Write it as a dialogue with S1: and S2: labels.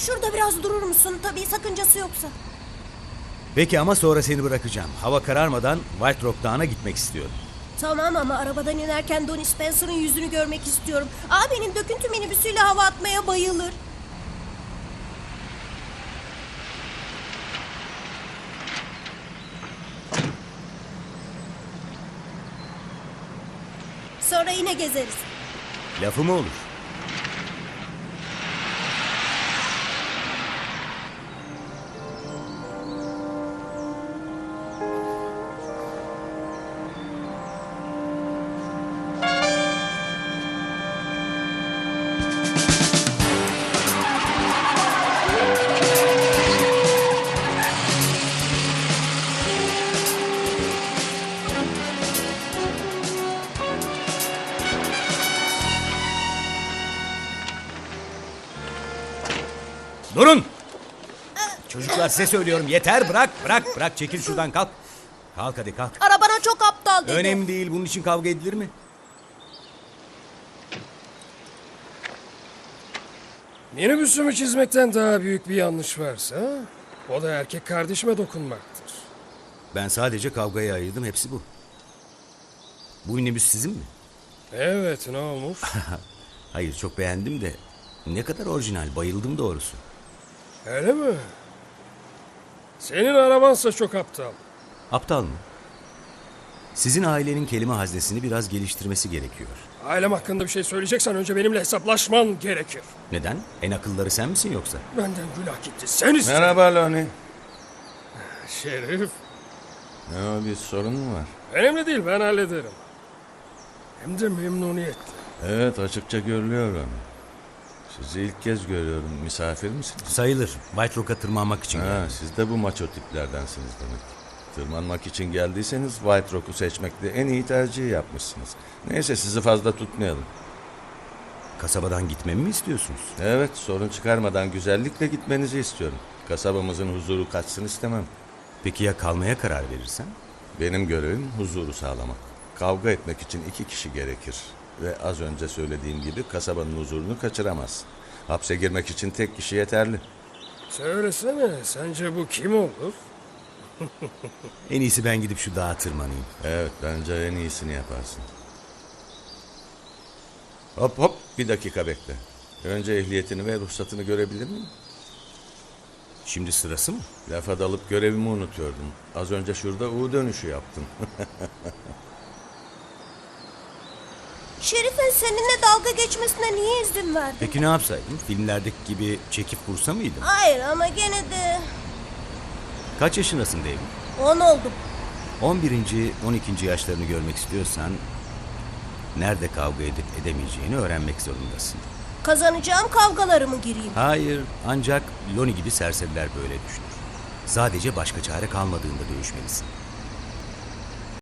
S1: Şurada biraz durur musun? Tabii sakıncası yoksa.
S2: Peki ama sonra seni bırakacağım. Hava kararmadan White Rock Dağı'na gitmek istiyorum.
S1: Tamam ama arabadan inerken Donnie Spencer'ın yüzünü görmek istiyorum. Abinin döküntü minibüsüyle hava atmaya bayılır. Sonra yine gezeriz.
S2: Lafı mı olur? Durun! Çocuklar size söylüyorum. Yeter, bırak. Çekil şuradan, kalk. Kalk hadi, kalk.
S1: Arabana çok aptal dedi.
S2: Önemli değil, bunun için kavga edilir mi?
S3: Minibüsümü çizmekten daha büyük bir yanlış varsa o da erkek kardeşime dokunmaktır.
S2: Ben sadece kavgaya ayırdım, hepsi bu. Bu minibüs sizin mi?
S3: Evet, ne olmuş?
S2: Hayır, çok beğendim de ne kadar orijinal, bayıldım doğrusu.
S3: Öyle mi? Senin arabansa çok aptal.
S2: Aptal mı? Sizin ailenin kelime haznesini biraz geliştirmesi gerekiyor.
S3: Ailem hakkında bir şey söyleyeceksen önce benimle hesaplaşman gerekir.
S2: Neden? En akılları sen misin yoksa?
S3: Benden günah gitti. Sen istedin.
S4: Merhaba Loni.
S3: Şerif.
S4: Ne o, bir sorun mu var?
S3: Önemli değil, ben hallederim. Hem de memnuniyetle.
S4: Evet, açıkça görülüyor Loni. Sizi ilk kez görüyorum. Misafir misiniz?
S2: Sayılır. White Rock'a tırmanmak için
S4: Ha,
S2: geldim.
S4: siz de bu maço tiplerdensiniz demek. Tırmanmak için geldiyseniz White Rock'u seçmekte en iyi tercihi yapmışsınız. Neyse, sizi fazla tutmayalım.
S2: Kasabadan gitmemi mi istiyorsunuz?
S4: Evet, sorun çıkarmadan güzellikle gitmenizi istiyorum. Kasabamızın huzuru kaçsın istemem.
S2: Peki ya kalmaya karar verirsen?
S4: Benim görevim huzuru sağlamak. Kavga etmek için 2 kişi gerekir. Ve az önce söylediğim gibi kasabanın huzurunu kaçıramaz. Hapse girmek için tek kişi yeterli.
S3: Söylesene, sence bu kim olur?
S2: En iyisi ben gidip şu dağa tırmanayım.
S4: Evet, bence en iyisini yaparsın. Hop, bir dakika bekle. Önce ehliyetini ve ruhsatını görebilir miyim?
S2: Şimdi sırası mı?
S4: Lafa dalıp görevimi unutuyordum. Az önce şurada U dönüşü yaptım.
S1: Şerif'in seninle dalga geçmesine niye izin verdin?
S2: Peki ne yapsaydım? Filmlerdeki gibi çekip vursa mıydım?
S1: Hayır ama gene de...
S2: Kaç yaşındasın David?
S1: 10 oldum.
S2: 11. 12. yaşlarını görmek istiyorsan nerede kavga edip edemeyeceğini öğrenmek zorundasın.
S1: Kazanacağım kavgalara mı gireyim?
S2: Hayır, ancak Loni gibi serseriler böyle düşünür. Sadece başka çare kalmadığında dövüşmelisin.